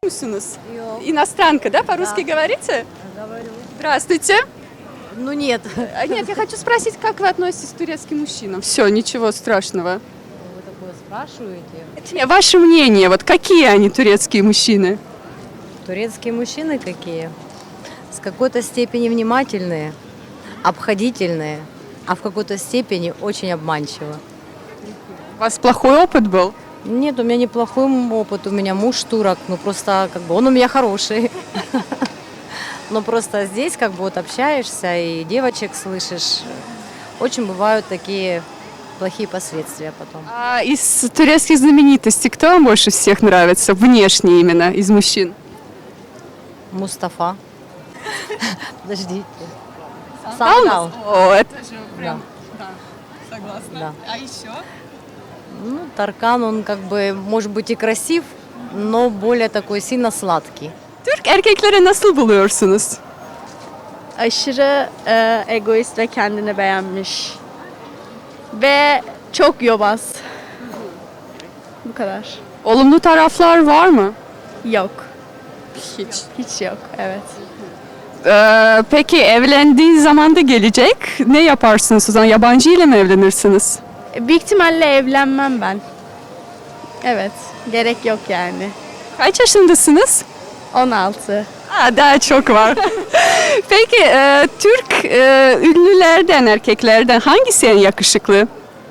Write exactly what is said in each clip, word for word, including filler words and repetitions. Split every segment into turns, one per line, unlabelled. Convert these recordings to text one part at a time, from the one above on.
Musunuz?
Yok.
Иностранка, да? По-русски говорите?
Говорю.
Здравствуйте.
Ну нет.
А, Нет, я хочу спросить, как вы относитесь к турецким мужчинам? Все, ничего страшного.
Вы такое спрашиваете?
Не, Ваше мнение, вот какие они, турецкие мужчины?
Турецкие мужчины какие? С какой-то степени внимательные, обходительные, а в какой-то степени очень обманчиво.
У вас плохой опыт был?
Нет, у меня неплохой опыт, у меня муж турок, ну просто как бы он у меня хороший. Но просто здесь как бы вот общаешься и девочек слышишь, очень бывают такие плохие последствия потом.
А из турецких знаменитостей кто вам больше всех нравится? Внешне именно, из мужчин?
Мустафа. Подождите.
Алмаз?
Сандал.
О, это же
Да.
да, согласна.
Да.
А еще?
Ну, Таркан, он как бы может быть и красив, но более такой сильно сладкий.
Türk erkekleri nasıl buluyorsunuz?
Aşırı e, egoist ve kendini beğenmiş. Ve çok yobaz. Bu kadar.
Olumlu taraflar var mı?
Yok.
Hiç.
Hiç yok. Evet.
Ee, peki evlendiği zaman da gelecek. Ne yaparsınız o zaman? Yabancı ile mi evlenirsiniz?
E, Büyük ihtimalle evlenmem ben. Evet. Gerek yok yani.
Kaç yaşındasınız?
on altı.
Aa, daha çok var. Peki e, Türk e, ünlülerden, erkeklerden hangisi en yakışıklı?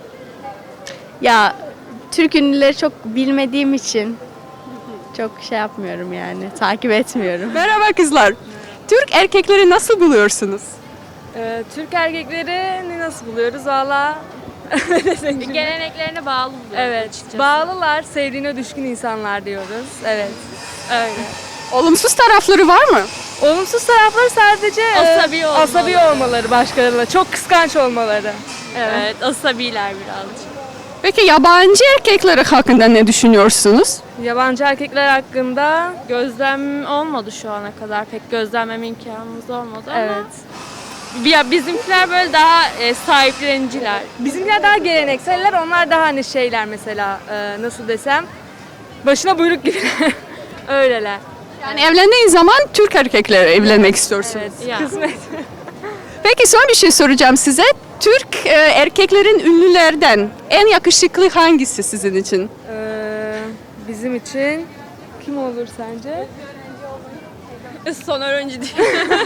Ya Türk ünlüleri çok bilmediğim için çok şey yapmıyorum yani. Takip etmiyorum.
Merhaba kızlar. Türk erkekleri nasıl buluyorsunuz?
Ee, Türk erkeklerini nasıl buluyoruz valla?
Geleneklerine bağlı buluyoruz
Evet,
açıkçası.
bağlılar, sevdiğine düşkün insanlar diyoruz. Evet, öyle.
Olumsuz tarafları var mı?
Olumsuz tarafları sadece e,
Asabi olmaları.
asabi olmaları başkalarıyla, çok kıskanç olmaları.
Evet, asabiler birazcık.
Peki yabancı erkekleri hakkında ne düşünüyorsunuz?
Yabancı erkekler hakkında,
Gözlem olmadı şu ana kadar. Pek gözlemleme imkanımız olmadı ama.
evet.
Ya bizimkiler böyle daha e, sahipleniciler.
Bizimkiler daha gelenekseller, onlar daha hani şeyler mesela, e, nasıl desem, başına buyruk gibi. Öyleler.
Yani evlendiğin zaman Türk erkeklerle evlenmek istiyorsunuz.
Evet,
Ya.
kısmet.
Peki son bir şey soracağım size. Türk e, erkeklerin ünlülerden en yakışıklı hangisi sizin için?
Ee, bizim için kim olur sence?
Son öğrenci değil.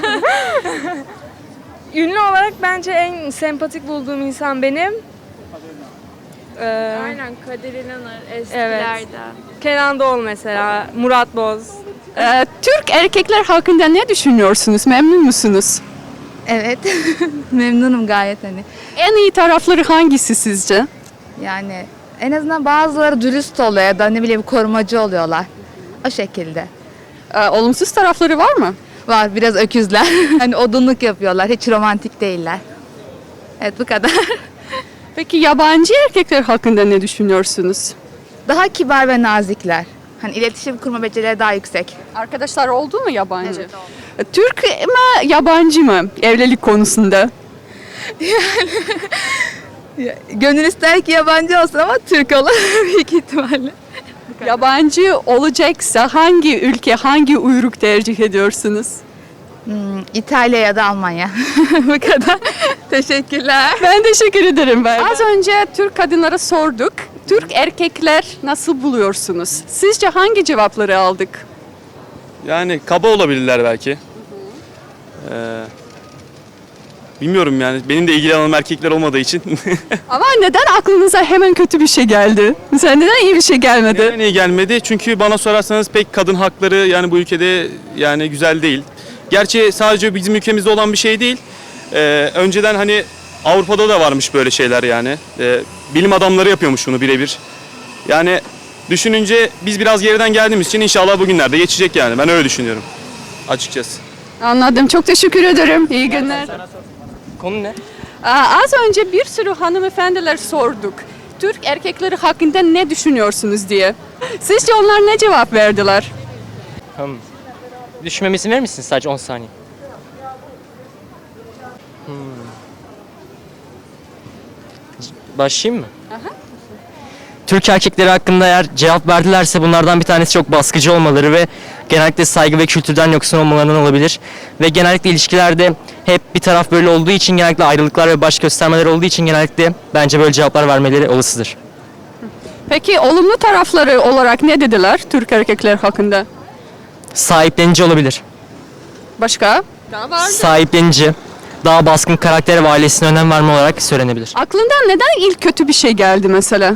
Ünlü olarak bence en sempatik bulduğum insan benim. Ee,
Aynen Kadir İnanır eskilerde.
Kenan Doğulu mesela, Murat Boz.
E, Türk erkekler hakkında ne düşünüyorsunuz? Memnun musunuz?
Evet, memnunum gayet hani.
En iyi tarafları hangisi sizce?
Yani en azından bazıları dürüst oluyor ya da ne bileyim korumacı oluyorlar. O şekilde.
E, olumsuz tarafları var mı?
Var biraz öküzler. Hani odunluk yapıyorlar, hiç romantik değiller. Evet bu kadar.
Peki yabancı erkekler hakkında ne düşünüyorsunuz?
Daha kibar ve nazikler. Hani iletişim kurma becerileri daha yüksek.
Arkadaşlar oldu mu yabancı? E, Türk mü yabancı mı evlilik konusunda?
Gönül ister ki yabancı olsun ama Türk olur büyük ihtimalle.
Yabancı olacaksa hangi ülke, hangi uyruk tercih ediyorsunuz?
Hmm, İtalya ya da Almanya. bu kadar. Teşekkürler.
Ben teşekkür ederim ben. Az önce Türk kadınlara sorduk. Türk erkekler nasıl buluyorsunuz? Sizce hangi cevapları aldık?
Yani kaba olabilirler belki. Ee, bilmiyorum yani. Benim de ilgili alanım erkekler olmadığı için.
Ama neden aklınıza hemen kötü bir şey geldi? Mesela neden iyi bir şey gelmedi?
Neden iyi gelmedi? Çünkü bana sorarsanız pek kadın hakları yani bu ülkede yani güzel değil. Gerçi sadece bizim ülkemizde olan bir şey değil. Ee, önceden hani Avrupa'da da varmış böyle şeyler yani. Ee, bilim adamları yapıyormuş bunu birebir. Yani düşününce biz biraz geriden geldiğimiz için inşallah bugünlerde geçecek yani. Ben öyle düşünüyorum açıkçası.
Anladım. Çok teşekkür ederim. İyi günler.
Konu ne?
Aa, az önce bir sürü hanımefendiler sorduk. Türk erkekleri hakkında ne düşünüyorsunuz diye. Sizce onlar ne cevap verdiler?
Hmm. Düşünmeme izin verir misin sadece on saniye? Hmm. Başlayayım mı? Türk erkekleri hakkında eğer cevap verdilerse bunlardan bir tanesi çok baskıcı olmaları ve genellikle saygı ve kültürden yoksun olmalarından olabilir. Ve genellikle ilişkilerde hep bir taraf böyle olduğu için, genellikle ayrılıklar ve baş göstermeler olduğu için genellikle bence böyle cevaplar vermeleri olasıdır.
Peki olumlu tarafları olarak ne dediler Türk erkekler hakkında?
Sahiplenici olabilir.
Başka? Daha var.
Sahiplenici, daha baskın karakter ve ailesine önem verme olarak söylenebilir.
Aklından neden ilk kötü bir şey geldi mesela?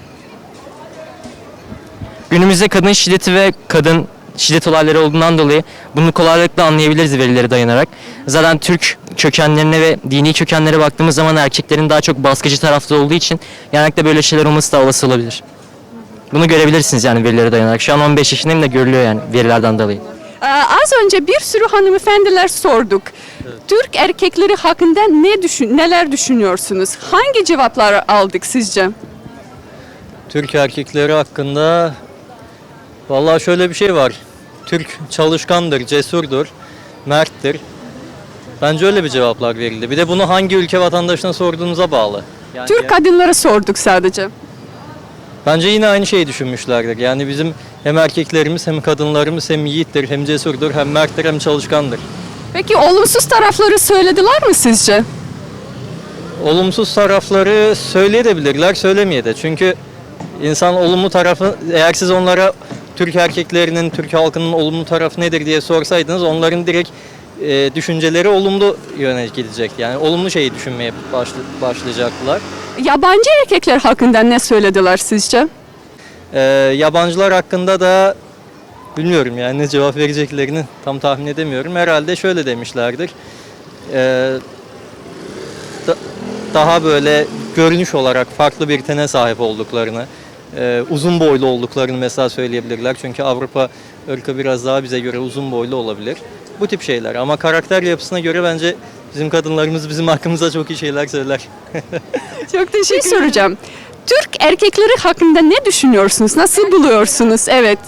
Günümüzde kadın şiddeti ve kadın şiddet olayları olduğundan dolayı bunu kolaylıkla anlayabiliriz verilere dayanarak. Zaten Türk kökenlerine ve dini kökenlere baktığımız zaman erkeklerin daha çok baskıcı tarafta olduğu için genellikle böyle şeyler olması da olası olabilir. Bunu görebilirsiniz yani verilere dayanarak. Şu an on beş yaşındayım da görülüyor yani verilerden dolayı.
Ee, az önce bir sürü hanımefendiler sorduk. Türk erkekleri hakkında ne düşün, neler düşünüyorsunuz? Hangi cevaplar aldık sizce?
Türk erkekleri hakkında vallahi şöyle bir şey var. Türk çalışkandır, cesurdur, merttir. Bence öyle bir cevaplar verildi. Bir de bunu hangi ülke vatandaşına sorduğunuza bağlı. Yani
Türk kadınlara sorduk sadece.
bence yine aynı şeyi düşünmüşlerdir. Yani bizim hem erkeklerimiz hem kadınlarımız hem yiğittir, hem cesurdur, hem merttir, hem çalışkandır.
Peki olumsuz tarafları söylediler mi sizce?
Olumsuz tarafları söyleyebilirler, söylemeye de. Çünkü insan olumlu tarafı, eğer siz onlara Türk erkeklerinin, Türk halkının olumlu tarafı nedir diye sorsaydınız, onların direkt e, düşünceleri olumlu yöne gidecekti. Yani olumlu şeyi düşünmeye başlı, başlayacaklar.
Yabancı erkekler hakkında ne söylediler sizce?
E, yabancılar hakkında da bilmiyorum yani ne cevap vereceklerini tam tahmin edemiyorum. Herhalde şöyle demişlerdir. E, da, daha böyle görünüş olarak farklı bir tene sahip olduklarını, Ee, uzun boylu olduklarını mesela söyleyebilirler. Çünkü Avrupa ırkı biraz daha bize göre uzun boylu olabilir. Bu tip şeyler. Ama karakter yapısına göre bence bizim kadınlarımız bizim hakkımızda çok iyi şeyler söyler.
Çok teşekkür soracağım. Türk erkekleri hakkında ne düşünüyorsunuz? Nasıl buluyorsunuz? Evet.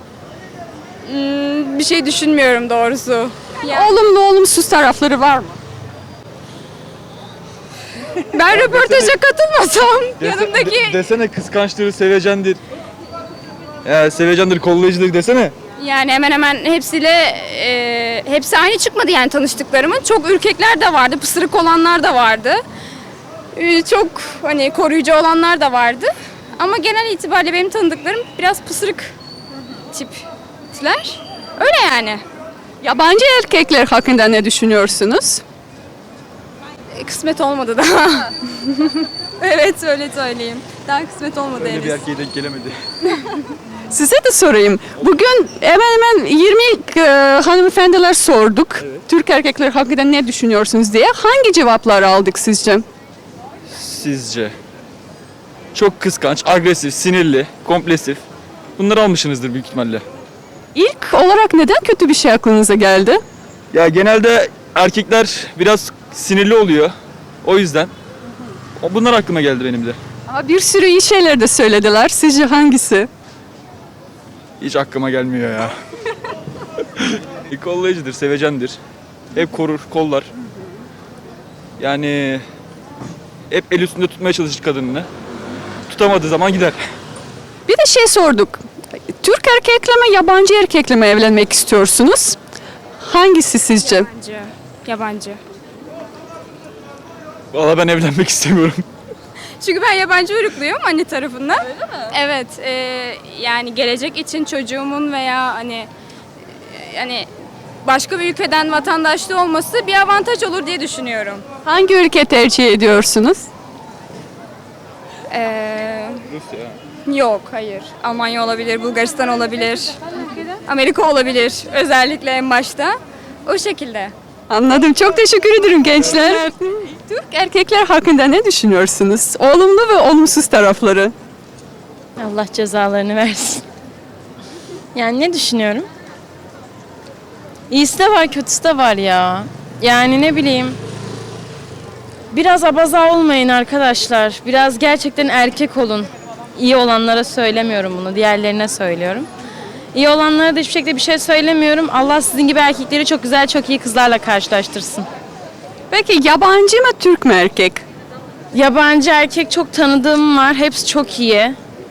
Bir şey düşünmüyorum doğrusu.
Olumlu olumsuz tarafları var mı?
Ben röportaja katılmasam yanımdaki
desene kıskançtır, sevecendir. Ya sevecendir, kollayıcıdır desene.
yani hemen hemen hepsiyle e, hepsi aynı çıkmadı yani tanıştıklarımın. Çok ürkekler de vardı, pısırık olanlar da vardı. E, çok hani koruyucu olanlar da vardı. Ama genel itibariyle benim tanıdıklarım biraz pısırık tipler. Öyle yani.
Yabancı erkekler hakkında ne düşünüyorsunuz?
Kısmet olmadı daha. Evet öyle söyleyeyim. Daha kısmet olmadı henüz.
erkeğe denk gelemedi.
Size de sorayım. Bugün hemen hemen yirmi e, hanımefendiler sorduk. Türk erkekler hakkında ne düşünüyorsunuz diye. Hangi cevapları aldık sizce?
Sizce? Çok kıskanç, agresif, sinirli, komplesif. Bunları almışsınızdır büyük ihtimalle.
İlk olarak neden kötü bir şey aklınıza geldi?
Ya genelde erkekler biraz sinirli oluyor. O yüzden. O- Bunlar aklıma geldi benim de.
Ama bir sürü iyi şeyler de söylediler. Sizce hangisi?
Hiç aklıma gelmiyor ya. Kollayıcıdır, sevecendir. Hep korur, kollar. Yani hep el üstünde tutmaya çalışır kadınını. Tutamadığı zaman gider.
Bir de şey sorduk. Türk erkekle mi, yabancı erkekle mi evlenmek istiyorsunuz? Hangisi sizce?
Yabancı. Yabancı.
Valla ben evlenmek istemiyorum.
Çünkü ben yabancı uyrukluğum anne tarafından. Öyle mi? Evet. e, yani gelecek için çocuğumun veya hani e, yani başka bir ülkeden vatandaşlığı olması bir avantaj olur diye düşünüyorum.
Hangi ülke tercih ediyorsunuz?
Ee, yok, hayır. Almanya olabilir, Bulgaristan olabilir. Amerika olabilir özellikle en başta. O şekilde.
Anladım. Çok teşekkür ederim gençler. Türk erkekler hakkında ne düşünüyorsunuz? Olumlu ve olumsuz tarafları.
Allah cezalarını versin. Yani ne düşünüyorum? İyisi de var, kötüsü de var ya. Yani ne bileyim. Biraz abaza olmayın arkadaşlar. Biraz gerçekten erkek olun. İyi olanlara söylemiyorum bunu, diğerlerine söylüyorum. İyi olanlara da hiçbir şekilde bir şey söylemiyorum. Allah sizin gibi erkekleri çok güzel, çok iyi kızlarla karşılaştırsın.
Peki yabancı mı, Türk mü erkek?
Yabancı erkek çok tanıdığım var. Hepsi çok iyi.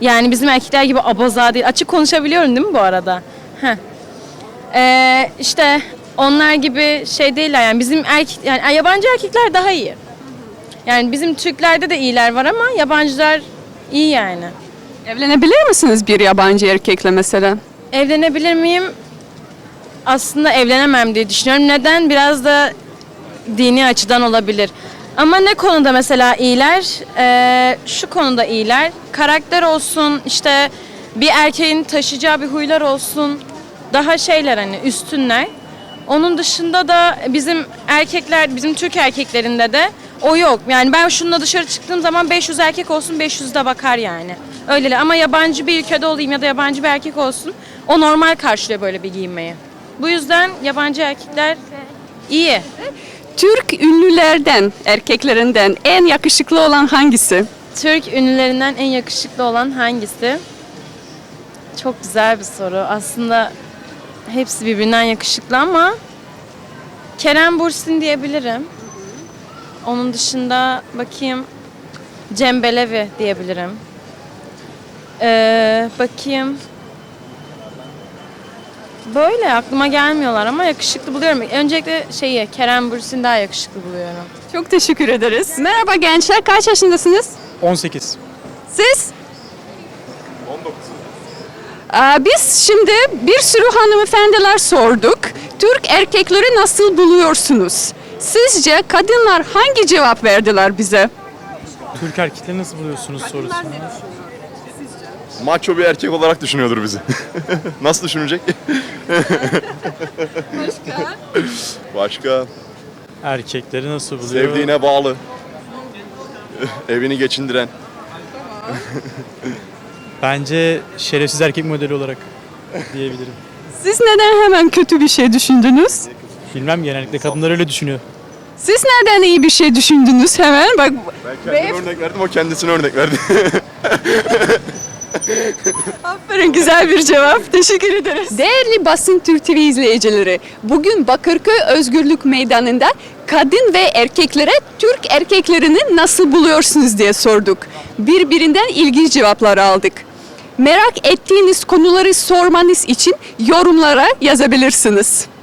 Yani bizim erkekler gibi abaza değil. Açık konuşabiliyorum değil mi bu arada? Heh. Ee, işte onlar gibi şey değiller yani bizim erkek yani yabancı erkekler daha iyi. Yani bizim Türklerde de iyiler var ama yabancılar iyi yani.
Evlenebilir misiniz bir yabancı erkekle mesela?
Evlenebilir miyim? Aslında evlenemem diye düşünüyorum. Neden? Biraz da dini açıdan olabilir. Ama ne konuda mesela iyiler? Ee, şu konuda iyiler. Karakter olsun, işte bir erkeğin taşıyacağı bir huylar olsun. Daha şeyler hani üstünler. Onun dışında da bizim erkekler, bizim Türk erkeklerinde de o yok. Yani ben şununla dışarı çıktığım zaman beş yüz erkek olsun, beş yüz de bakar yani. Öyleler ama yabancı bir ülkede olayım ya da yabancı bir erkek olsun, o normal karşılıyor böyle bir giyinmeyi. Bu yüzden yabancı erkekler iyi.
Türk ünlülerden, erkeklerinden en yakışıklı olan hangisi?
Türk ünlülerinden en yakışıklı olan hangisi? Çok güzel bir soru. Aslında hepsi birbirinden yakışıklı ama Kerem Bürsin diyebilirim. Onun dışında bakayım Cem Belevi diyebilirim. Ee, bakayım. Böyle aklıma gelmiyorlar ama yakışıklı buluyorum. Öncelikle şeyi Kerem Bürsin daha yakışıklı buluyorum.
Çok teşekkür ederiz. Merhaba gençler, kaç yaşındasınız?
on sekiz.
Siz? on dokuz. Aa, biz şimdi bir sürü hanımefendiler sorduk. Türk erkekleri nasıl buluyorsunuz? Sizce kadınlar hangi cevap verdiler bize?
Türk erkekleri nasıl buluyorsunuz sorusu.
Maço bir erkek olarak düşünüyordur bizi. Nasıl düşünecek?
Başka?
Başka
Erkekleri nasıl buluyor?
sevdiğine bağlı. Evini geçindiren.
Bence şerefsiz erkek modeli olarak diyebilirim.
Siz neden hemen kötü bir şey düşündünüz?
Bilmem genellikle kadınlar öyle düşünüyor.
Siz neden iyi bir şey düşündünüz hemen? Bak
Ben kendime örnek verdim, o kendisine örnek verdi.
aferin, güzel bir cevap. Teşekkür ederiz. Değerli Basın Türk T V izleyicileri, bugün Bakırköy Özgürlük Meydanı'nda kadın ve erkeklere Türk erkeklerini nasıl buluyorsunuz diye sorduk. Birbirinden ilginç cevaplar aldık. Merak ettiğiniz konuları sormanız için yorumlara yazabilirsiniz.